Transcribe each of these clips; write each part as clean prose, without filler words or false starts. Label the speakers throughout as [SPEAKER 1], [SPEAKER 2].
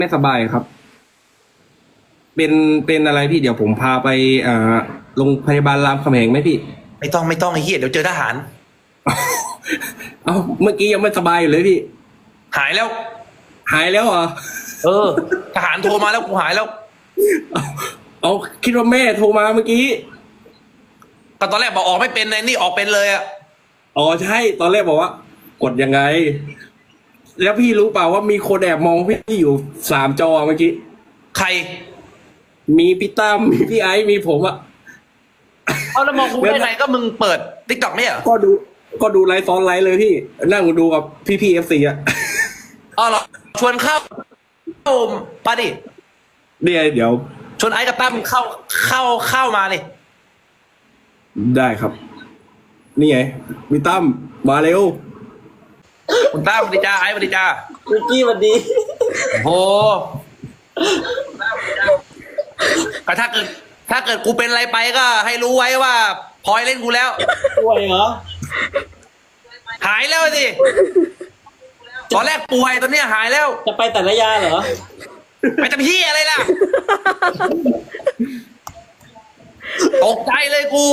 [SPEAKER 1] ไม่สบายครับ เป็นอะไรพี่เดี๋ยวผมพาไปโรงพยาบาลรามคำแหงไหมพี่
[SPEAKER 2] ไม่ต้องไอ้เหี้ยเดี๋ยวเจอทหาร
[SPEAKER 1] เอ้าเมื่อกี้ยังไม่สบายอยู่เลยพี่
[SPEAKER 2] หายแล้ว
[SPEAKER 1] หายแล้วเหรอ
[SPEAKER 2] เออ ทหารโทรมาแล้วกูหายแล้ว
[SPEAKER 1] เอาคิดว่าแม่โทรมาเมื่อกี้
[SPEAKER 2] ก็ตอนแรกบอกออกไม่เป็นเลยนี่ออกเป็นเลยอะ
[SPEAKER 1] อ๋อใช่ตอนแรกบอกว่า กดยังไง แล้วพี่รู้เปล่าว่ามีคนแอบมองพี่อยู่3 จอเมื่อกี้
[SPEAKER 2] ใคร
[SPEAKER 1] มีพี่ตั้มมีพี่ไอซ์มีผมอะ
[SPEAKER 2] เอาแล้วมองกูได้ไงก็มึงเปิดติ๊กต็อกไม่เหรอ
[SPEAKER 1] ก็ดูไลฟ์ซ้อนไลฟ์เลยพี่นั่งดูกับพี่FCอะ
[SPEAKER 2] อ๋อเหรอชวนเข้าปาดิ
[SPEAKER 1] เนี่ยเดี๋ยว
[SPEAKER 2] ชวนไอ้กับตั้มเข้ามาเลย
[SPEAKER 1] ได้ครับ นี่ไงพี่ตั้มมาเร็ว
[SPEAKER 2] คุณตั้มสวัสดีจ้าไอ้สวัสดีจ้า
[SPEAKER 3] วิกกี้สวัสดี
[SPEAKER 2] โอ้แต่ถ้าเกิดกูเป็นอะไรไปก็ให้รู้ไว้ว่าพลอยเล่นกูแล้ว
[SPEAKER 3] ป่วยเหรอ
[SPEAKER 2] หายแล้วสิตอนแรกป่วยตอนเนี้ยหายแล้ว
[SPEAKER 3] จะไปแต่ละยาเหรอ
[SPEAKER 2] ไปทำพี่อะไรล่ะ ตกใจเลยกู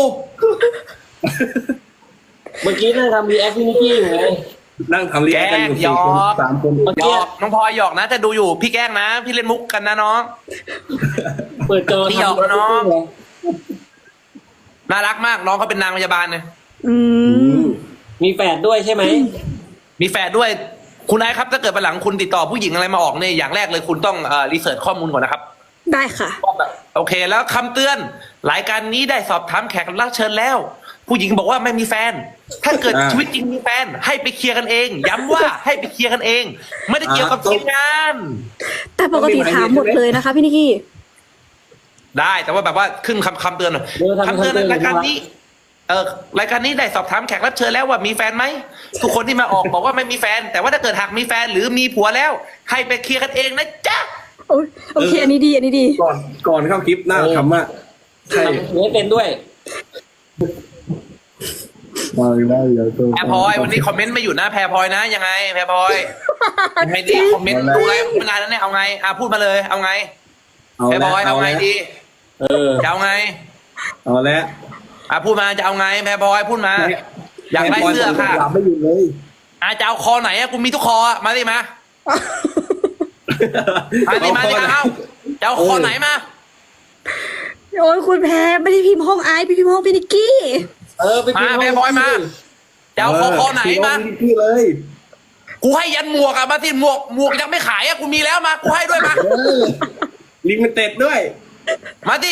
[SPEAKER 3] เมื่อกี้นั่งทำรีแอคพี่นิกกี้อยู่ไง
[SPEAKER 1] นั่งทำรีแอคกันอยู่
[SPEAKER 2] แกล้ง
[SPEAKER 1] 4 คน
[SPEAKER 2] หยอก
[SPEAKER 1] 3 คน
[SPEAKER 2] หยอกน้องพลอยหยอกนะถ้าดูอยู่พี่แกล้งนะ พี่เล่นมุกกันนะน้อง
[SPEAKER 3] เปิดจอ
[SPEAKER 2] พี่หยอกนะน้อง น่ารักมากน้องเขาเป็นนางพยาบาลเนี่ย
[SPEAKER 1] อืม
[SPEAKER 3] มีแฝดด้วยใช่ไหม
[SPEAKER 2] มีแฟนด้วยคุณไอ้ครับถ้าเกิดวันหลังคุณติดต่อผู้หญิงอะไรมาออกเนี่ยอย่างแรกเลยคุณต้องรีเสิร์ชข้อมูลก่อนนะครับ
[SPEAKER 4] ได้ค่ะ
[SPEAKER 2] โอเคแล้วคำเตือนรายการนี้ได้สอบถามแขกรับเชิญแล้ว ผู้หญิงบอกว่าไม่มีแฟน ถ้าเกิดชีวิตจริงมีแฟน ให้ไปเคลียร์กันเอง ย้ำว่าให้ไปเคลียร์กันเอง ไม่ได้เกี่ยวกับทีมงาน
[SPEAKER 4] แต่ปกติถามหมดเลยนะคะพี่นิกกี้
[SPEAKER 2] ได้แต่ว่าแบบว่าขึ้นคำเตือนหน่อยคำเตือนในรายการนี้รายการนี้ได้สอบถามแขกรับเชิญแล้วว่ามีแฟนไหมทุกคนที่มาออกบอกว่าไม่มีแฟน แต่ว่าถ้าเกิดหากมีแฟนหรือมีผัวแล้ว ให้ไปเคลียร์กันเองนะจ๊ะ
[SPEAKER 4] โอเค อันนี้ดี อันนี้ดี
[SPEAKER 1] ก่อนเข้าคลิปหน้าทำอะใช่
[SPEAKER 3] ทำให้เป็นด้วย
[SPEAKER 1] มาได้เดี๋ยวตัว
[SPEAKER 2] แพรพลอยวันนี้คอมเมนต์ไม่อยู่นะแพรพลอยนะยังไงแพรพลอยยังไงดีคอมเมนต์ดูไลฟ์มานานแล้วเนี่ยเอาไงพูดมาเลยเอาไงแพรพลอยเอาไงดี จะเอาไง
[SPEAKER 1] เอาแล้ว
[SPEAKER 2] พูดมาจะเอาไงแพรพลอยพูดมา อยากได้เสื้อค่ะ
[SPEAKER 1] ไม่อยู่เลย
[SPEAKER 2] จะเอาคอไหนกูมีทุกคอมาดิมามาดิเอาจะเอาคอไหนมา
[SPEAKER 4] โอ้ยคุณแพ้ไม่ได้พิมพ์ห้องไอซ์พิมพ์ห้องพี่นิกกี้
[SPEAKER 3] ไปกิน
[SPEAKER 2] มาแพรพลอยมาจะเอาคอไหนมา
[SPEAKER 1] พี่เลย
[SPEAKER 2] กูให้ยันหมวกมาสิหมวกยังไม่ขายกูมีแล้วมากูให้ด้วยมา
[SPEAKER 1] ลิมิเต็ดด้วย
[SPEAKER 2] มาดิ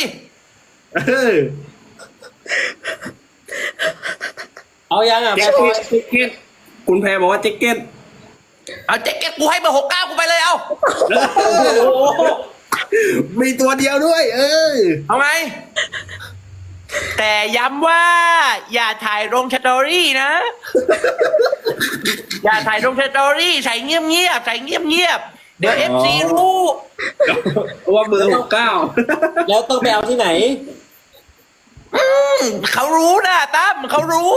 [SPEAKER 3] เอายังอ่ะ
[SPEAKER 1] แจ็
[SPEAKER 3] แพร
[SPEAKER 1] ค
[SPEAKER 3] พลอย
[SPEAKER 1] เก็ตคุณแพรบอกว่าแจ็คเก็ต
[SPEAKER 2] เอาแจ็คเก็ตกูให้เบอร์69กูไปเลยเอา
[SPEAKER 1] มีตัวเดียวด้วย
[SPEAKER 2] เอาไง แต่ย้ำว่า อย่าถ่ายลงสตอรี่นะ อย่าถ่ายลงสตอรี่ใส่เงียบๆใส่เงียบๆเดี๋ยวFC รู้
[SPEAKER 1] ว่าเบอร์69
[SPEAKER 3] แล้วต้องไปเอาที่ไหน
[SPEAKER 2] เขารู้นะตั้มเขารู้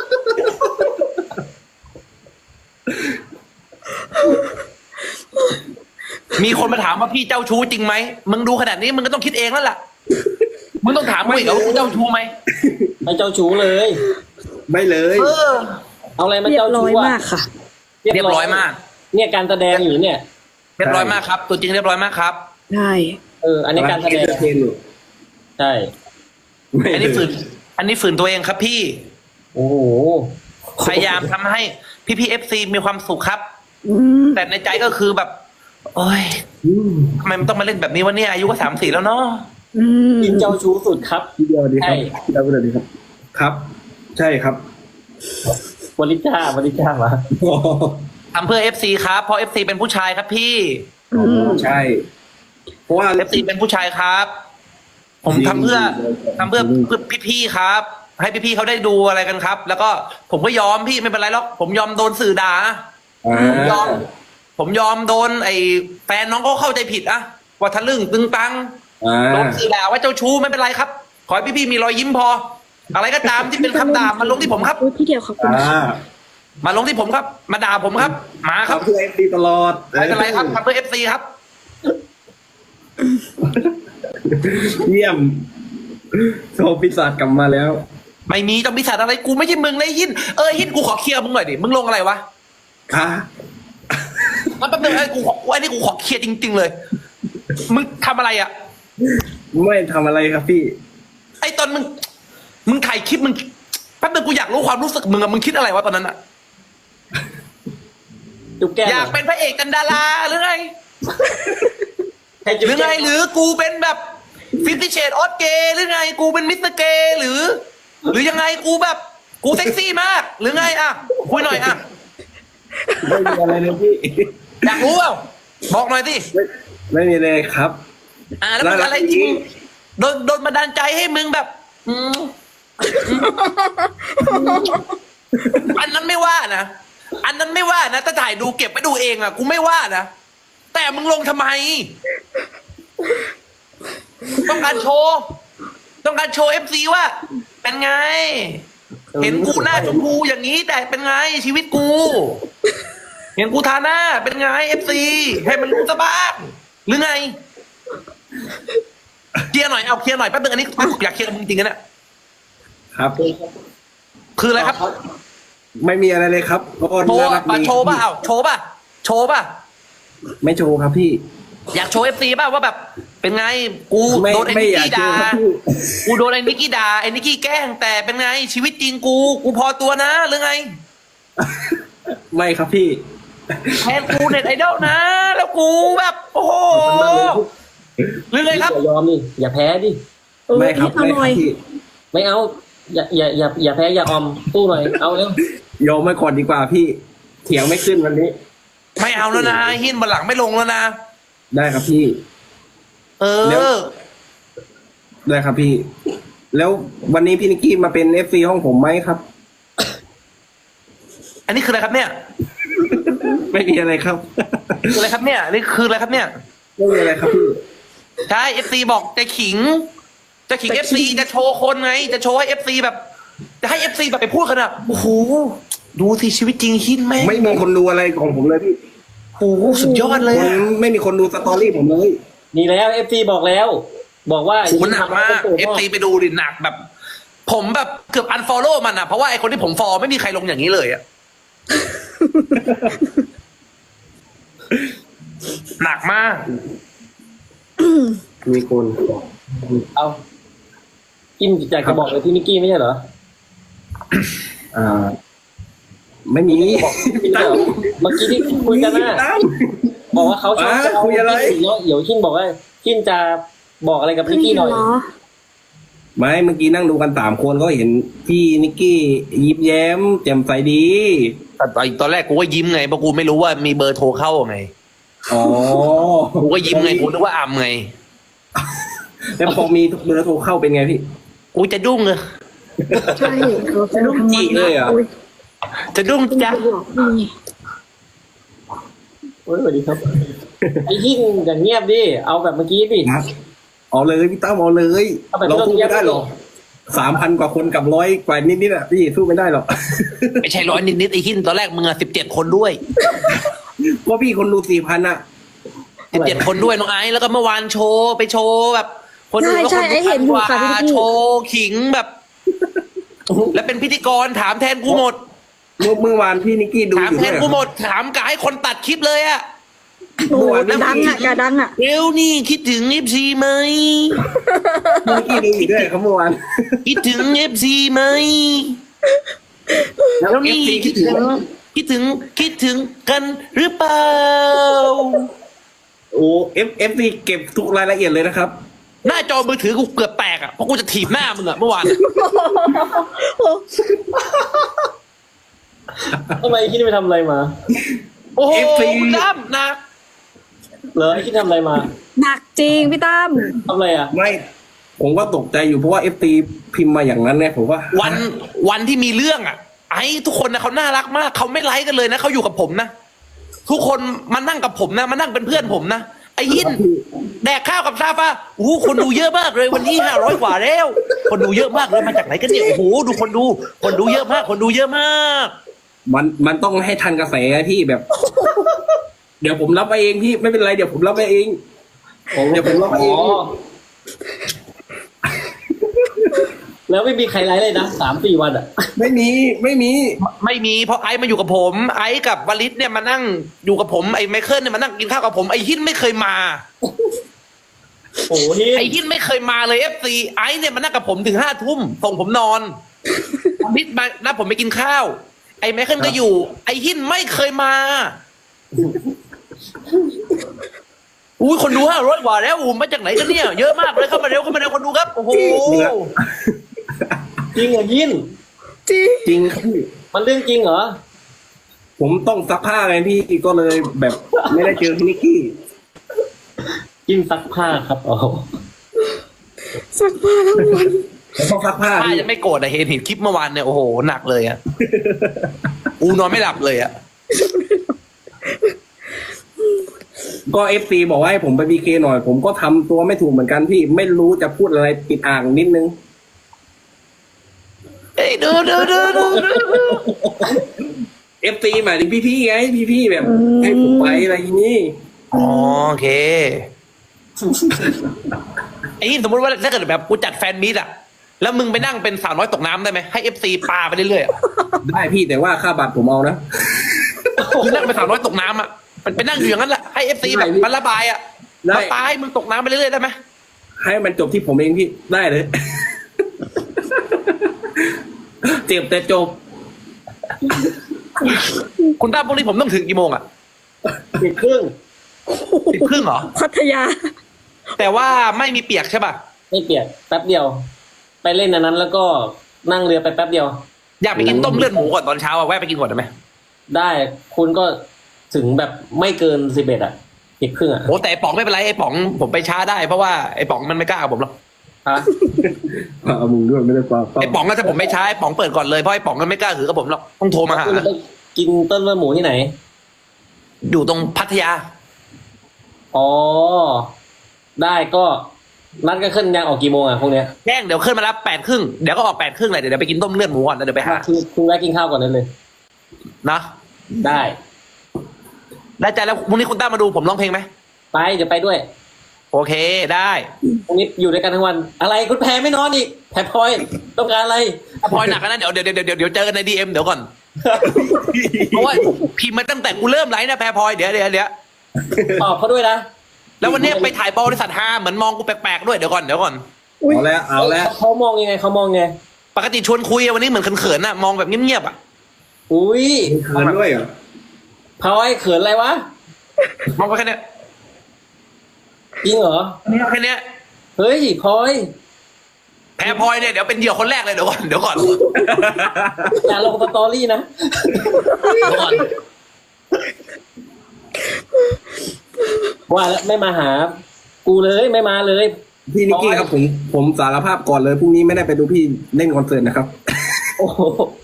[SPEAKER 2] มีคนมาถามว่าพี่เจ้าชู้จริงไหมมึงดูขนาดนี้มึงก็ต้องคิดเองแล้วล่ะมึงต้องถามกูอีกว่ากูเจ้าชู้ไหม
[SPEAKER 3] ไม่เจ้าชู้เลย
[SPEAKER 1] ไม่เลย
[SPEAKER 3] เอาอะไรมา
[SPEAKER 4] เรีย
[SPEAKER 3] เจ้า
[SPEAKER 4] บร้
[SPEAKER 3] ชู้
[SPEAKER 4] อย
[SPEAKER 3] อ่ะ
[SPEAKER 4] มากค่ะ
[SPEAKER 2] เรียบร้อยมาก
[SPEAKER 3] เนี่ยการแสดงอยู่เนี่ย
[SPEAKER 2] เรียบร้อยมากครับ ตัวจริงเรียบร้อยมากครับ
[SPEAKER 4] ได้
[SPEAKER 3] อันนี้การแสดง
[SPEAKER 1] เทนอยู่
[SPEAKER 3] ใช่
[SPEAKER 2] อันนี้ฝืนตัวเองครับพี่
[SPEAKER 3] โอ้โห
[SPEAKER 2] พยายามทำให้พี่FC มีความสุขครับ
[SPEAKER 4] อืม
[SPEAKER 2] แต่ในใจก็คือแบบ โอ้ยทำไมมันต้องมาเล่นแบบนี้วะเนี่ยอายุก็34แล้วเนาะ
[SPEAKER 4] อืม
[SPEAKER 3] กินเจ้าชู้สุดครับ
[SPEAKER 1] ทีเดียวดีค
[SPEAKER 3] ใช่
[SPEAKER 1] รับทีเดียวดีครับ ครับ ใช่ครับ
[SPEAKER 3] บริจ้ามา
[SPEAKER 2] ทำเพื่อ FC ครับเพราะ FC เป็นผู้ชายครับพี่
[SPEAKER 1] ใช่ เพราะว่า
[SPEAKER 2] FC เป็นผู้ชายครับ ผมทำเพื่อพี่ๆครับ ให้พี่ๆเขาได้ดูอะไรกันครับ แล้วก็ผมก็ยอมพี่ไม่เป็นไรหรอกผมยอมโดนสื่อด่าผมยอมโดนไอ้แฟนน้องก็เข้าใจผิดอะว่าทะลึ่งตึงตังโดนสื่อด่าว่าเจ้าชู้ไม่เป็นไรครับ ขอให้พี่ๆมีรอยยิ้มพอ อะไรก็ตามที่เป็นคำด่ามาลงที่ผมครับ
[SPEAKER 4] อุ๊ยพี่เดียวขอบคุณค่ะ
[SPEAKER 2] มาลงที่ผมครับ มาด่าผมครับ มาครับ
[SPEAKER 1] เพื่อเอฟซีตลอด
[SPEAKER 2] ไม่เป็นไรครับทำเพื่อ FC ครับ
[SPEAKER 1] เยี่ยมโชว์ปีศาจกลับมาแล้ว
[SPEAKER 2] ไม่มีต้องมีสัตว์อะไรกูไม่ใช่มึงเลยหินหินกูขอเคลียร์มึงหน่อยดิมึงลงอะไรวะ
[SPEAKER 1] ค่ะ
[SPEAKER 2] มันแป๊บนึงไอ้นี่กูขอเคลียร์จริง ๆ เลย มึงทำอะไรอ่ะ
[SPEAKER 1] ไม่ทำอะไรครับพี่
[SPEAKER 2] ไอ้ตอนมึงถ่ายคลิปมึงแป๊บนึงกูอยากรู้ความรู้สึกมึงอะมึงคิดอะไรวะตอนนั้นอะ
[SPEAKER 3] จุ๊บแก้ม
[SPEAKER 2] อยากเป็นพระเอกกันดาราหรือไง
[SPEAKER 3] ให้
[SPEAKER 2] ห
[SPEAKER 3] จุ๊บ
[SPEAKER 2] รือ
[SPEAKER 3] แก้
[SPEAKER 2] ไง
[SPEAKER 3] ม
[SPEAKER 2] หรือกูเป็นแบบ50 Shades of Grey หรือไงกูเป็นมิสเตอร์เกย์หรือยังไงกูแบบกูเซ็กซี่มาก หรือไงอะคุยหน่อยอะ
[SPEAKER 1] ไม่มีอะไรเลยพี่
[SPEAKER 2] อยากรู้เปล่าบอกหน่อยสิ
[SPEAKER 1] ไม่มีเลยครับ
[SPEAKER 2] แล้วมึงอะไรจริงโดนบันดาลใจให้มึงแบบอันนั้นไม่ว่านะอันนั้นไม่ว่านะถ้าถ่ายดูเก็บไปดูเองอะกูไม่ว่านะแต่มึงลงทำไม ต้องการโชว์เอฟซีว่าเป็นไง เห็นกูหน้าชมพูอย่างนี้แต่เป็นไงชีวิตกู เห็นกูทาหน้าเป็นไงเอฟซีให้มันรู้ซะบ้างหรือไงเคลียร์หน่อยเอาเคลียร์หน่อยแป๊บนึงอันนี้อยากเคลียร์กับมึงจริงๆนะครับ คืออะไรครับ
[SPEAKER 1] ไม่มีอะไรเลยครับก็
[SPEAKER 2] โชว์
[SPEAKER 1] น่ารั
[SPEAKER 2] อะ
[SPEAKER 1] กดี
[SPEAKER 2] โชว์ป่ะโชว์ป่ะ
[SPEAKER 1] ไม่โชว์ครับพี่
[SPEAKER 2] อยากโชว์เอฟซีป่ะว่าแบบ เป็นไงกู
[SPEAKER 1] ไม่
[SPEAKER 2] โดนไอ้
[SPEAKER 1] ไม่
[SPEAKER 2] นิก
[SPEAKER 1] อยาก
[SPEAKER 2] กี้
[SPEAKER 1] โช
[SPEAKER 2] ด่า
[SPEAKER 1] ว์ครับพี่
[SPEAKER 2] กูโดนไอ้นิกกี้ด่าไอ้นิกกี้แกล้งแต่เป็นไงชีวิตจริงกูพอตัวนะหรือไง
[SPEAKER 1] ไม่ครับพี่
[SPEAKER 2] แทนกูเน็ตไอดอลนะ แล้วกูแบบ โอ้โหหรือไงครับ
[SPEAKER 3] อย่ายอมดิอย่าแพ้ดิ
[SPEAKER 1] ไม่ครับ
[SPEAKER 4] เอา
[SPEAKER 1] ไม่
[SPEAKER 4] ห
[SPEAKER 1] ค
[SPEAKER 4] น่
[SPEAKER 1] รั
[SPEAKER 4] อบ ย
[SPEAKER 1] พี่
[SPEAKER 3] ไม่เอาอย่าแพ้อย่าออมสู้หน่อยเอาเร็วย
[SPEAKER 1] อมไม่ก่อนดีกว่าพี่ เถียงไม่ขึ้นวันนี้
[SPEAKER 2] ไม่เอาแล้วนะหินบันหลังไม่ลงแล้วนะ
[SPEAKER 1] ได้ครับพี่
[SPEAKER 2] เอ
[SPEAKER 1] แล้ว
[SPEAKER 2] อ
[SPEAKER 1] ได้ครับพี่ แล้ววันนี้พี่นิกกี้มาเป็นเอฟซีห้องผมไหมครับ
[SPEAKER 2] อันนี้คืออะไรครับเนี่ย
[SPEAKER 1] ไม่มีอะไรครับ
[SPEAKER 2] คืออะไรครับเนี่ยนี่คืออะไรครับเนี่ย
[SPEAKER 1] ไม่มีอะไรครับพี่
[SPEAKER 2] ใช่เอฟซีบอกจะขิงเอฟซีจะโชว์คนไง จะโชว์ให้เอฟซีแบบ จะให้เอฟซีแบบไปพูดกันอ่ะโอ้โหดูสิชีวิตจริงหินไหม
[SPEAKER 1] ไม่มีคนดูอะไรของผมเลยพี่
[SPEAKER 2] โอ้โหสุดยอดเลย
[SPEAKER 1] คน
[SPEAKER 2] อะ
[SPEAKER 1] ไม่มีคนดูสตอรี่ผมเลย
[SPEAKER 3] นี่แล้วเอฟซีบอกแล้ว บอกว่า
[SPEAKER 2] โหหนักมากเอฟซีไปดูดิหนักแบบ ผมแบบเกือบอันฟอลโล่มันอ่ะเพราะว่าไอคนที่ผมฟอลไม่มีใครลงอย่างนี้เลยอ่ะ หนักมาก
[SPEAKER 1] มีคน
[SPEAKER 3] เอากินอยากจะบอกเลยพี่นิกกี้ไม่ใช่เหรอ
[SPEAKER 1] อ่า ไม่มี
[SPEAKER 3] เมื่อกี้ที่คุยกันนะ
[SPEAKER 1] ตั้ม
[SPEAKER 3] บอกว่าเขาชอบ
[SPEAKER 1] คุยอะไร
[SPEAKER 3] เนาะเดี๋ยวขินบอกว่าขินจะบอกอะไรกับนิกกี้หน่อย
[SPEAKER 4] เหรอ
[SPEAKER 1] ไม่เมื่อกี้นั่งดูกัน3 คนก็เห็นพี่นิกกี้ยิ้มแย้ม แจ่มใสดี
[SPEAKER 2] แต่ตอนแรกกูก็ยิ้มไงเพราะกูไม่รู้ว่ามีเบอร์โทรเข้าไง
[SPEAKER 1] อ๋อ
[SPEAKER 2] กูก็ยิ้มไงกูนึกว่าอำไง
[SPEAKER 1] แล้วพอมีเบอร์โทรเข้าเป็นไงพี่
[SPEAKER 2] กูจะดุ้งเลย
[SPEAKER 4] ใช่เขาจะ
[SPEAKER 1] ลูกจีเลยเหรอ
[SPEAKER 4] อุ๊ย
[SPEAKER 2] จะดุ้งจ้ะ
[SPEAKER 4] บอกนี่
[SPEAKER 3] โอ้ยสวัสดีครับ ไอ้ขินอย่างเงียบดิเอาแบบเมื่อกี้ดิ
[SPEAKER 1] เอาเลยพี่ตั้มเอาเลย
[SPEAKER 3] เอาแบบ
[SPEAKER 1] เราสู้ไม่ได้หรอก
[SPEAKER 3] เงียบ
[SPEAKER 1] 3,000 กว่าคนกับ100 กว่านิดๆอ่ะพี่สู้ไม่ได้หรอก
[SPEAKER 2] ไม่ใช่ร้อยนิดๆไอ้หินตอนแรกมึงอะ17 คนด้วย
[SPEAKER 1] เพราะพี่คนดู4,000อ่ะ
[SPEAKER 2] 17 คนด้วยน้องไอซ์แล้วก็เมื่อวานโชว์ไปโชว์แบบ คนอื่นก็
[SPEAKER 4] ใช่
[SPEAKER 2] คน
[SPEAKER 4] ไอ้เห็นอยู่ค่ะพี่นิกกี้
[SPEAKER 2] โชว์ขิงแบบ แล้วเป็นพิธีกรถามแทนกูหมด
[SPEAKER 1] เมื่อวานพี่นิกกี้ดู
[SPEAKER 2] ถาม
[SPEAKER 1] อยู่
[SPEAKER 2] แท
[SPEAKER 1] ด้วน ยเหร
[SPEAKER 2] กู
[SPEAKER 1] อ
[SPEAKER 2] หมดถามกะให้คนตัดคลิปเลยอะ
[SPEAKER 4] โอ้โหดังอ่ะกาดังอ่ะ
[SPEAKER 2] เร็วนี่คิดถึง FC ไหม
[SPEAKER 1] พี่นิกกี้ดูอยู่ด้วยครับเมื่อวาน
[SPEAKER 2] คิดถึง FC ไหมแล้วนี่
[SPEAKER 1] FC
[SPEAKER 2] คิดถึงกันหรือเปล่า
[SPEAKER 1] โอ้เอฟซีเก็บทุกรายละเอียดเลยนะครับ
[SPEAKER 2] หน้าจอมือถือกูเกือบแตกอะเพราะกูจะถีบหน้ามึงอะเมื่อวานอะ
[SPEAKER 3] ทำไมไอ้ขินไปทำอะไรมา
[SPEAKER 2] โอ้โห
[SPEAKER 1] FC
[SPEAKER 2] จ้ำหนัก
[SPEAKER 3] เหรอไอ้ขินทำอะไรมา
[SPEAKER 4] หนักจริงพี่ตั้ม
[SPEAKER 3] ทำอะไรอ่ะ
[SPEAKER 1] ไม่ ผมก็ตกใจอยู่เพราะว่าเอฟซีพิมพ์มาอย่างนั้นเนี่ยผมว่า
[SPEAKER 2] วันที่มีเรื่องอะไอ้ทุกคนนะเขาน่ารักมากเขาไม่ไลค์กันเลยนะเขาอยู่กับผมนะทุกคนมานั่งกับผมนะมานั่งเป็นเพื่อนผมนะไอ้ยินแดกข้าวกับซาฟ้าโอ้โหคนดูเยอะมากเลยวันนี้500 กว่าแล้ว คนดูเยอะมากเลยมาจากไหนกันเนี่ยโอ้โหดูคนดูเยอะมากคนดูเยอะมาก
[SPEAKER 1] มันต้องให้ทันกระแสไงพี่แบบ เดี๋ยวผมรับไปเองพี่ไม่เป็นไรเดี๋ยวผมรับไปเองเดี๋ยวผมรับไปเอง
[SPEAKER 3] อ๋อแล้วไม่มีใครไลฟ์เลยนะ3-4 วันอ่ะ
[SPEAKER 1] ไม่มีไม่มี
[SPEAKER 2] ไม่มีเพราะไอซ์มาอยู่กับผม ไอซ์กับวลิศเนี่ยมานั่งอยู่กับผมไอ้ไมเคิลเนี่ยมานั่งกินข้าวกับผมไอ้หินไม่เคยมา
[SPEAKER 3] โอ้โห
[SPEAKER 2] ไอ้หินไม่เคยมาเลยFC ไอซ์เนี่ยมานั่งกับผมถึง5 ทุ่มส่งผมนอนวลิศมาแล้วผมไปกินข้าว ไอ้ไมเคิลก็อยู่ ไอ้หินไม่เคยมาอุ้ยคนดู500 กว่าแล้วมาจากไหนกันเนี่ยเยอะมากเลยเข้ามาเร็วคนดูครับโอ้โห
[SPEAKER 3] จริงเหรอยิน
[SPEAKER 4] จริง
[SPEAKER 1] จริงครับพี่
[SPEAKER 3] มันเรื่องจริงเหรอ
[SPEAKER 1] ผมต้องซักผ้าไงพี่ก็เลยแบบไม่ได้เจอพี่นิกกี้
[SPEAKER 3] ยินซักผ้าครับโอ้โห
[SPEAKER 4] สักผ้าทั้งวัน
[SPEAKER 1] ผมต้องซักผ้า
[SPEAKER 2] ป้า
[SPEAKER 1] พี่
[SPEAKER 2] ยังไม่โกรธอะเห็นคลิปเมื่อวานเนี่ยโอ้โหหนักเลยอะอูนอนไม่หลับเลยอะ
[SPEAKER 1] ก็เอฟซีบอกว่าให้ผมไปบีเคหน่อย ผมก็ทำตัวไม่ถูกเหมือนกันพี่ไม่รู้จะพูดอะไรติดอ่างนิดนึง
[SPEAKER 2] เอ้ยดู
[SPEAKER 1] เอฟซีหมายถึงพี่ๆไงพี่ๆแบบ ให้ผมไปอะไรอย่างนี้
[SPEAKER 2] อ๋อโอเคไอ้นี่สมมติว่าถ้าเกิดแบบกูจัดแฟนมีตอะแล้วมึงไปนั่งเป็นสาวน้อยตกน้ำได้ไหมให้FC ปาไปเรื่อยๆอะ
[SPEAKER 1] ได้พี่แต่ว่าค่าบัตรผมเอานะ
[SPEAKER 2] มึงนั่งเป็นสาวน้อยตกน้ำอะมันไปนั่งอยู่อย่างนั้นแหละให้ FC แบบมันระบายอะ
[SPEAKER 1] ได้
[SPEAKER 2] มาปาให้มึงตกน้ำไปเรื่อยๆได้ไหม
[SPEAKER 1] ให้มันจบที่ผมเองพี่ได้เลย เจ็บแต่จบ
[SPEAKER 2] คุณตั้มพวกนี้ผมต้องถึงกี่โมงอะ
[SPEAKER 3] 10:30
[SPEAKER 2] 10:30เหรอ
[SPEAKER 4] พัทยา
[SPEAKER 2] แต่ว่าไม่มีเปียกใช่ป่ะ
[SPEAKER 3] ไม่เปียกแป๊บเดียว ไปเล่นอันนั้นแล้วก็นั่งเรือไปแป๊บเดียว
[SPEAKER 2] อยากไปกินต้มเลือดหมูก่อนตอนเช้าอะแวะไปกินก่อนได้ไหม
[SPEAKER 3] ได้คุณก็ถึงแบบไม่เกิน11อ่ะ10:30อ่ะ
[SPEAKER 2] โอ้แต่ไอ้ป๋องไม่เป็นไรไอ้ป๋องผมไปช้าได้เพราะว่าไอ้ป๋องมันไม่กล้ากับผมหรอก
[SPEAKER 3] ฮะ
[SPEAKER 1] เอามึงด้วยไม่ได้ความ
[SPEAKER 2] ไอ้ป๋องก็ถ้าผมไม่ช้าไอ้ป๋องเปิดก่อนเลยเพราะไอ้ป๋องมันไม่กล้าถือกับผมหรอกต้องโทรมาหา
[SPEAKER 3] คุณจะไปกินต้นเลือดหมูที่ไหน
[SPEAKER 2] อยู่ตรงพัทยา
[SPEAKER 3] อ๋อ ได้ก็นัดกันขึ้นยังออกกี่โมงอ่ะพวกเนี้ย
[SPEAKER 2] แจ้งเดี๋ยวขึ้นมารับ8:30เดี๋ยวก็ออก8:30เลยเดี๋ยวไปกินต้มเลือดหมูก่อนแล้วเดี๋ยวไปหา
[SPEAKER 3] คุณแวะกินข้าวก่อนนั้นเลย
[SPEAKER 2] นะ
[SPEAKER 3] ได้
[SPEAKER 2] ได้ใจแล้วพรุ่งนี้คุณตั้มมาดูผมร้องเพลงไหม
[SPEAKER 3] ไปเดี๋ยวไปด้วย
[SPEAKER 2] โอเคได้
[SPEAKER 3] พรุ่งนี้อยู่ด้วยกันทั้งวัน อะไรคุณแพรไม่นอนอีกแพรพลอยต้องการอะไร
[SPEAKER 2] พลอยหนักนะเดี๋ยวเจอกันในDMเดี๋ยวก่อนเพราะว่าพิมพ์มาตั้งแต่กูเริ่มไลฟ์นะแพรพลอยเดี๋ยว
[SPEAKER 3] ตอบเขาด้วยนะ
[SPEAKER 2] แล้ววันเนี้ยไปถ่ายบริษัทฮาเหมือนมองกูแปลกๆด้วยเดี๋ยวก่อน
[SPEAKER 4] อุ๊ย
[SPEAKER 1] เอาแล้วเอาแล้ว
[SPEAKER 3] เขามองยังไงเขามองไง
[SPEAKER 2] ปกติชวนคุยอะวันนี้เหมือนเขินๆน่ะมองแบบเงียบๆอะ
[SPEAKER 3] อุ้ย
[SPEAKER 1] เขินด้วยเหรอ
[SPEAKER 3] พลอยเขินอะไรวะ
[SPEAKER 2] มองไปแค่เนี้ย
[SPEAKER 3] จริงเหรอ
[SPEAKER 2] แค่เนี้ย
[SPEAKER 3] เฮ้ยพลอย
[SPEAKER 2] แพรพลอยเนี่ยเดี๋ยวเป็นเหยื่อคนแรกเลยเดี๋ยวก่อน
[SPEAKER 3] อย่าลงสตอรี่นะ ว่าแล้วไม่มาหา กูเลยไม่มาเลย
[SPEAKER 1] พี่นิกกี้ครับผมสารภาพก่อนเลยพรุ่งนี้ไม่ได้ไปดูพี่เล่นคอนเสิร์ตนะครับ
[SPEAKER 3] โอ้โห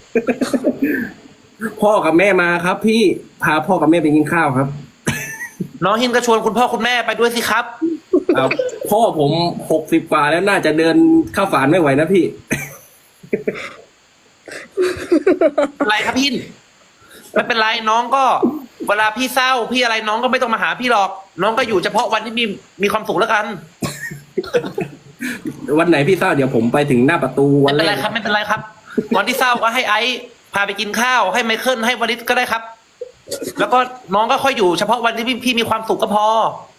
[SPEAKER 1] พ่อกับแม่มาครับ พี่พาพ่อกับแม่ไปกินข้าวครับ
[SPEAKER 2] น้องหินก็ชวนคุณพ่อคุณแม่ไปด้วยสิครับ
[SPEAKER 1] พ่อผม60 กว่าแล้วน่าจะเดินข้าวสารไม่ไหวนะพี่
[SPEAKER 2] อะไรครับพี่ไม่เป็นไรน้องก็ เวลาพี่เศร้าพี่อะไรน้องก็ไม่ต้องมาหาพี่หรอก น้องก็อยู่เฉพาะวันที่มีความสุขแล้วกัน
[SPEAKER 1] วันไหนพี่เศร้าเดี๋ยวผมไปถึงหน้าประตูวั
[SPEAKER 2] ไม่
[SPEAKER 1] น
[SPEAKER 2] เป็น
[SPEAKER 1] แร
[SPEAKER 2] ไร
[SPEAKER 1] ก
[SPEAKER 2] ครับไม่เป็นไรครับวันที่เศร้าก็ให้ไอซ์พาไปกินข้าวให้ไมเคิลให้วลิศก็ได้ครับ แล้วก็น้องก็ค่อยอยู่เฉพาะวันที่พี่มีความสุขก็พอ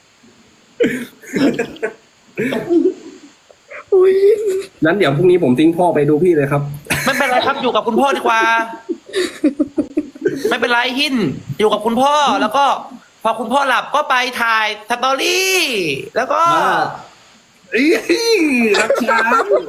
[SPEAKER 4] อุ้ย
[SPEAKER 1] นั้นเดี๋ยวพรุ่งนี้ผมทิ้งพ่อไปดูพี่เลยครับ
[SPEAKER 2] ไม่เป็นไรครับอยู่กับคุณพ่อดีกว่า ไม่เป็นไรหินอยู่กับคุณพ่อแล้วก็ พอคุณพ่อหลับก็ไปถ่ายสตอรี่แล้วก็
[SPEAKER 1] รักช้าง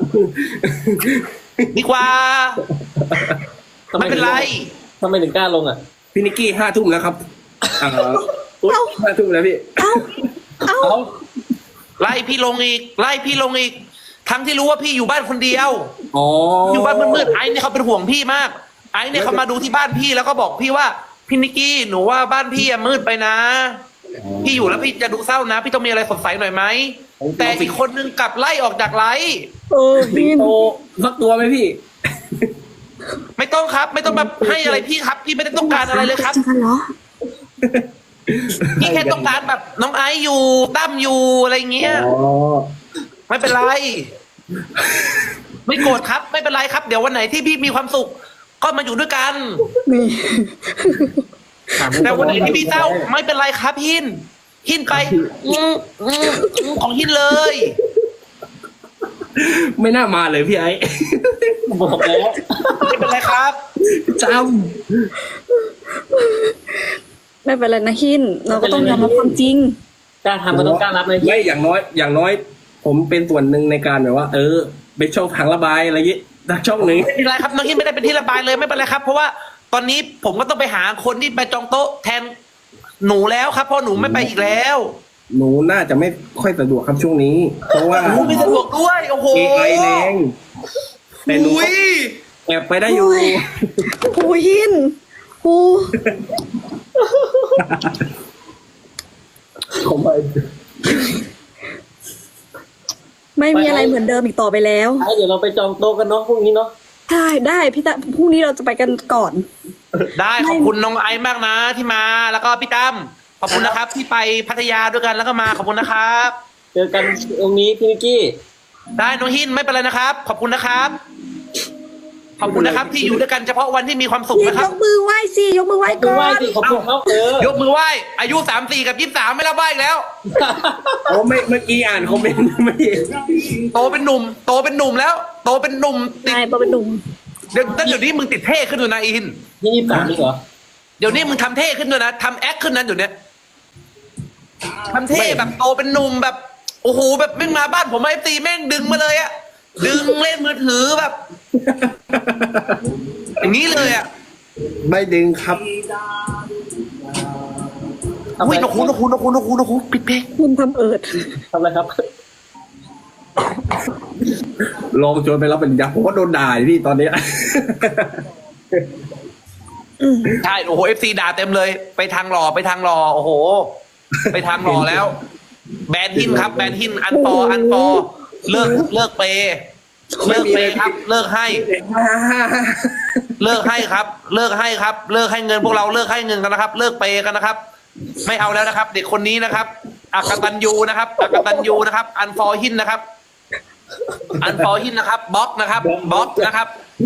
[SPEAKER 2] ดีกว่าไม่เป็นไร
[SPEAKER 3] ทำไมถึงกล้าลงอ่ะ
[SPEAKER 1] พี่นิกกี้5 ทุ่มแล้วครับอุ๊ย5 ทุ่มแล้วพี่
[SPEAKER 3] เอา
[SPEAKER 2] ไล่พี่ลงอีกทั้งที่รู้ว่าพี่อยู่บ้านคนเดียว
[SPEAKER 1] อ๋อ
[SPEAKER 2] อยู่บ้านมืดๆไอ้เนี่ยเขาเป็นห่วงพี่มาก ไอ้เนี่ยเขามาดูที่บ้านพี่แล้วก็บอกพี่ว่าพี่นิกกี้หนูว่าบ้านพี่อะมืดไปนะ พี่อยู่แล้วพี่จะดูเศร้านะ พี่ต้องมีอะไรสดใสหน่อยไหมแต่อีกคนนึงกลับไล่ออกจากไลฟ์
[SPEAKER 1] สิงโตสักตัวไหมพี่
[SPEAKER 2] ไม่ต้องครับ ไม่ต้องมาให้อะไรพี่ครับ พี่ไม่ได้ต้องการอะไรเลยครับ
[SPEAKER 4] จะกันเหรอ
[SPEAKER 2] พี่แค่ต้องการแบบน้องไอซ์อยู่ตั้มอยู่อะไรเงี้ย
[SPEAKER 1] อ๋อ
[SPEAKER 2] ไม่เป็นไรไม่โกรธครับไม่เป็นไรครับ เดี๋ยววันไหนที่พี่มีความสุข ก็มาอยู่ด้วยกัน
[SPEAKER 4] นี่
[SPEAKER 2] แต่วันไหนที่พี่เศร้าไม่เป็นไรครับหินไปของหินเลย
[SPEAKER 1] ไม่น่ามาเลยพี่ไอ้
[SPEAKER 3] บอกแล้ว
[SPEAKER 2] ไม่เป็นไรครับ
[SPEAKER 1] จ
[SPEAKER 4] ไม่เป็นไรนะหิน เราก็ต้องยอมรับความจริง
[SPEAKER 3] กล้าทำก็ต้องกล้ารับนะ
[SPEAKER 1] ำไม่อย่างน้อย ผมเป็นส่วนหนึ่งในการแบบว่า เป็นช่องทางระบายอะไรอย่างงี้ดักช่องหนึ่ง
[SPEAKER 2] ไม่เป็นไรครับน้องหินไม่ได้เป็นที่ระบายเลยไม่เป็นไรครับ เพราะว่าตอนนี้ผมก็ต้องไปหาคนที่ไปจองโต๊ะแทนหนูแล้วครับเพราะหนูไม่ไปอีกแล้ว
[SPEAKER 1] หนูน่าจะไม่ค่อยสะดวกครับช่วงนี้ เพราะว่า
[SPEAKER 2] หนูไม่สะดวกด้วยโอ้โห
[SPEAKER 1] AI แรงแต่หนู
[SPEAKER 2] อุ้ย
[SPEAKER 1] แอบไปได้อยู่
[SPEAKER 4] โอ้ยหินโอ้
[SPEAKER 1] ผมไป
[SPEAKER 4] ไม่มีอะไรเหมือนเดิมอีกต่อไปแล้ว
[SPEAKER 3] ไอ้เดี๋ยวเราไปจองโต๊ะกันเนาะพรุ่งนี้เนาะ
[SPEAKER 4] ได้พี่ตาพรุ่งนี้เราจะไปกันก่อน
[SPEAKER 2] ได้ขอบคุณน้องไอซ์มากนะที่มาแล้วก็พี่ตั้มขอบคุณนะครับที่ไปพัทยาด้วยกันแล้วก็มาขอบคุณนะครับ
[SPEAKER 3] เจอกันตรงนี้พี่นิกกี้
[SPEAKER 2] ได้น้องหินไม่เป็นไรนะครับ ขอบคุณนะครับ ขอบคุณนะครับ ที่อยู่ด้วยกันเฉพาะวันที่มีความสุข
[SPEAKER 4] พี่
[SPEAKER 2] นะค
[SPEAKER 4] ย
[SPEAKER 2] รับ
[SPEAKER 4] กมือไหว้สิยกมือไหว้
[SPEAKER 3] ดู
[SPEAKER 4] ก่อ
[SPEAKER 3] ไหว้
[SPEAKER 4] น
[SPEAKER 3] สิขอบคุณเขา
[SPEAKER 2] ยกมือไหว้อายุ34กับ23ไม่รับไหว้อีกแล้ว
[SPEAKER 1] โอ้ไม่เมื่อกี้อ่านคอมเมนต์ไม่เห็น
[SPEAKER 2] โตเป็นหนุ่มแล้ว โตเป็นหนุ่มติด
[SPEAKER 4] ใช่พอเป็นหนุ่ม
[SPEAKER 2] เดี๋ยวนี้มึงติดเท่ขึ้นด้วยนะอิน
[SPEAKER 3] นี่23นี่เหรอ
[SPEAKER 2] เดี๋ยวนี้มึงทำเท่ขึ้นด้วยนะทำแอคขึ้นนั้นอยู่เนี่ยทำเท่แบบโตเป็นหนุ่มแบบโอ้โหแบบแม่งมาบ้านผมไอ้ตีแม่งดึงมาเลยอะดึงเล่นมือถือแบบ อย่างนี้เลยอะ
[SPEAKER 1] ไม่ดึงครับ
[SPEAKER 2] อุ้ยนกคูปิดเพลง
[SPEAKER 4] คุณทำเอิด
[SPEAKER 3] ทำอะไรครับ
[SPEAKER 1] ลองชวนไปรับเป็นยักษ์ผมก็โดนด่าอยู่พี่ตอนเนี้ย
[SPEAKER 2] ใช่โอ้โหFC ด่าเต็มเลย ไปทางหล่อโอ้โห ไปทางหล่อแล้ว แบนหินครับ แบนหินอันฟอเลิกเปย์ครับ เลิกให้ครับ เลิกให้เงินพวกเราเลิกให้เงินกันนะครับ เลิกเปย์กันนะครับ ไม่เอาแล้วนะครับ เด็กคนนี้นะครับอักตันยูนะครับ อันฟอหินนะครับบล็อกนะครับบล็อกนะครับ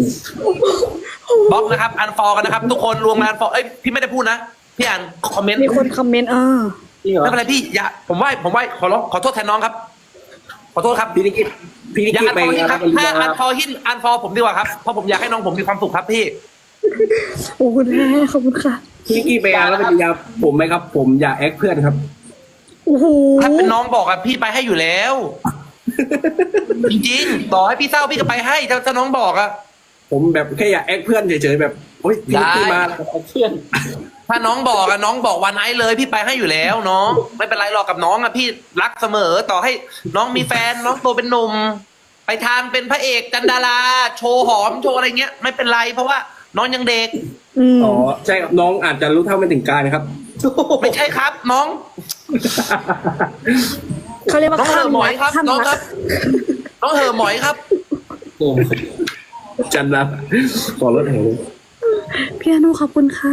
[SPEAKER 2] อันฟอกันนะครับ ทุกคนรวมกันอันฟอพี่ไม่ได้พูดนะพี่อ่านคอมเมนต์
[SPEAKER 4] มีคนคอมเมนต์
[SPEAKER 3] จริงเหรอ
[SPEAKER 2] ไม่เป็นไรพี่อย่าผมไหว้ขอโทษแทนน้องครับ ขอโทษครับ
[SPEAKER 1] พี่นิกกี้
[SPEAKER 2] อย่าอัน
[SPEAKER 1] ไป
[SPEAKER 2] ฟอหินครับ
[SPEAKER 1] ปริญ
[SPEAKER 2] ถ้า
[SPEAKER 1] ญา
[SPEAKER 2] อันฟอผมดีกว่าครับเพราะผมอยากให้น้องผมมีความสุขครับพี่
[SPEAKER 4] โอ้คุณแม่ขอบคุณค่ะ
[SPEAKER 1] พี่นิกกี้ไปงานรับปริญญาผมไหมครับ ผมอยากแอคเพื่อนครับ
[SPEAKER 4] โอ้โห
[SPEAKER 2] ถ้าเป็นน้องบอกอะพี่ไปให้อยู่แล้ว จริงๆต่อให้พี่เศร้าพี่ก็ไปให้ถ้าน้องบอกอะ
[SPEAKER 1] ผมแบบแค่อยากแอคเพื่อนเฉยๆแบบโอ๊ยพี่นิกกี้มา
[SPEAKER 3] เพื่อน
[SPEAKER 2] ถ้าน้องบอกอะน้องบอกวันไหนเลยพี่ไปให้อยู่แล้วน้องไม่เป็นไรหรอกกับน้องอะพี่รักเสมอต่อให้น้องมีแฟนน้องโตเป็นหนุ่มไปทางเป็นพระเอกจันดาราโชว์หอมโชว์อะไรเงี้ยไม่เป็นไรเพราะว่าน้องยังเด็ก
[SPEAKER 1] อ๋อใช่ครับน้องอาจจะรู้เท่าไม่ถึงการนะครับ
[SPEAKER 2] ไม่ใช่ครับ น้อง
[SPEAKER 4] เขาเรียกว่า
[SPEAKER 2] น้องเหอะหมอยครับ
[SPEAKER 4] ข้าม
[SPEAKER 2] น้องครับ น้องเหอะหมอยครับ
[SPEAKER 3] โอ้
[SPEAKER 1] จันนะขอรถแห่ง
[SPEAKER 4] พี่อนุขอบคุณค่ะ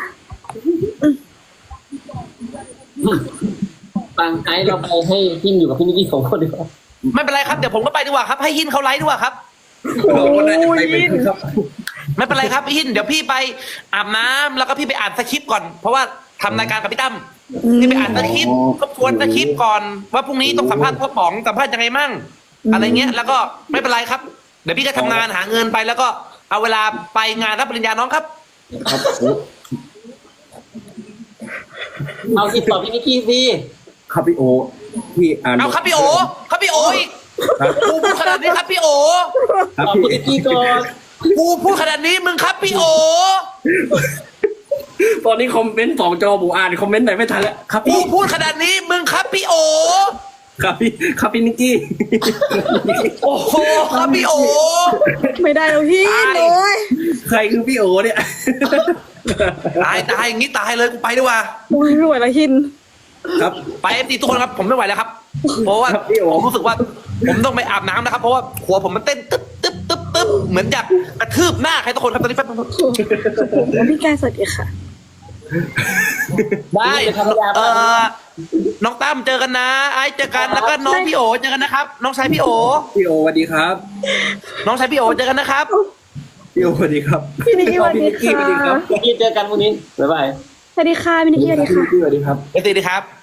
[SPEAKER 3] ฟังไอ้เราไปให้พินอยู่กับพี่นิกกี้2 คนดีกว่า
[SPEAKER 2] ไม่เป็นไรครับเดี๋ยวผมก็ไปดีกว่าครับให้หินเขาไลฟ์ดีกว่าครับ
[SPEAKER 1] เราก็น่าจะไปเป็นครับ
[SPEAKER 2] ไม่เป็นไรครับหินเดี๋ยวพี่ไปอาบน้ำแล้วก็พี่ไปอ่านสคริปต์ก่อน เพราะว่าทำรายการกับพี่ตั้มพี่ไปอ่านสคริปต์ทบทวนสคริปต์ก่อนว่าพรุ่งนี้ต้องสัมภาษณ์พ่อป๋องสัมภาษณ์ยังไงมั่งอะไรเงี้ยแล้วก็ไม่เป็นไรครับเดี๋ยวพี่ก็ทำงานหาเงินไปแล้วก็เอาเวลาไปงานรับปริญญาน้องครับ
[SPEAKER 1] ครับ
[SPEAKER 3] เอาติดต่อพี่นิกกี้สิ
[SPEAKER 1] ครับพี่โอพี่อ่าน
[SPEAKER 2] เอาครับพี่โออีก
[SPEAKER 1] ครับ
[SPEAKER 2] กูพูดขนาดนี้ครับพี่โอ
[SPEAKER 1] ครับ
[SPEAKER 3] ตอบ
[SPEAKER 1] พี่
[SPEAKER 3] พี่นิกกี้ก่อน
[SPEAKER 2] กูพูดขนาดนี้มึงครับพี่โอ
[SPEAKER 1] ตอนนี้คอมเมนต์2 จอผมอ่านคอมเมนต์ไหนไม่ทันแล้วครับ
[SPEAKER 2] กู
[SPEAKER 1] พี่
[SPEAKER 2] พูดขนาดนี้มึงครับพี่โอ
[SPEAKER 1] ครับพี่นิกกี้
[SPEAKER 2] โอ้โหครับพี่โอ
[SPEAKER 4] ไม่ได้แล้วพี่
[SPEAKER 2] ตาย
[SPEAKER 4] โอ้ย
[SPEAKER 1] ใครคือพี่โอเนี่ย
[SPEAKER 2] ตายอย่างนี้ตายเลยกูไปดีกว่า
[SPEAKER 4] โอ้ยไม่ไหวแล้วหิน
[SPEAKER 1] ครับ
[SPEAKER 2] ไปเอฟซีทุกคนครับผมไม่ไหวแล้วครับ เพราะว่า
[SPEAKER 1] ครับพี่โอ
[SPEAKER 2] ผมรู้สึกว่าผมต้องไปอาบน้ำนะครับ เพราะว่าหัวผมมันเต้นตึ๊บเหมือนอยากกระทืบหน้าใครทุกคนครับตอนนี้แป๊บนึง
[SPEAKER 4] ผมพี่แกสวัสดีค่ะ
[SPEAKER 2] ได้น้องตั้มเจอกันนะ ไอซ์เจอกันแล้วก็น้องพี่โอเจอกันนะครับ น้องชายพี่โอ
[SPEAKER 1] พี่โอสวัสดีครับ
[SPEAKER 2] น้องชายพี่โอเจอกันนะครับ
[SPEAKER 1] พี่โอสวัสดีครับ
[SPEAKER 4] พี่นิกกี้สวัสดี
[SPEAKER 1] พี่นิกกี้สวัสดีครั
[SPEAKER 4] ค่ะ
[SPEAKER 1] บ
[SPEAKER 3] พี่เจอกันพรุ่งนี้บ๊ายบาย
[SPEAKER 4] สวัสดีค่ะพี่นิกกี้สวัสดีค่ะ
[SPEAKER 1] พี่สวัสดีครับ
[SPEAKER 2] สวัสดีครับ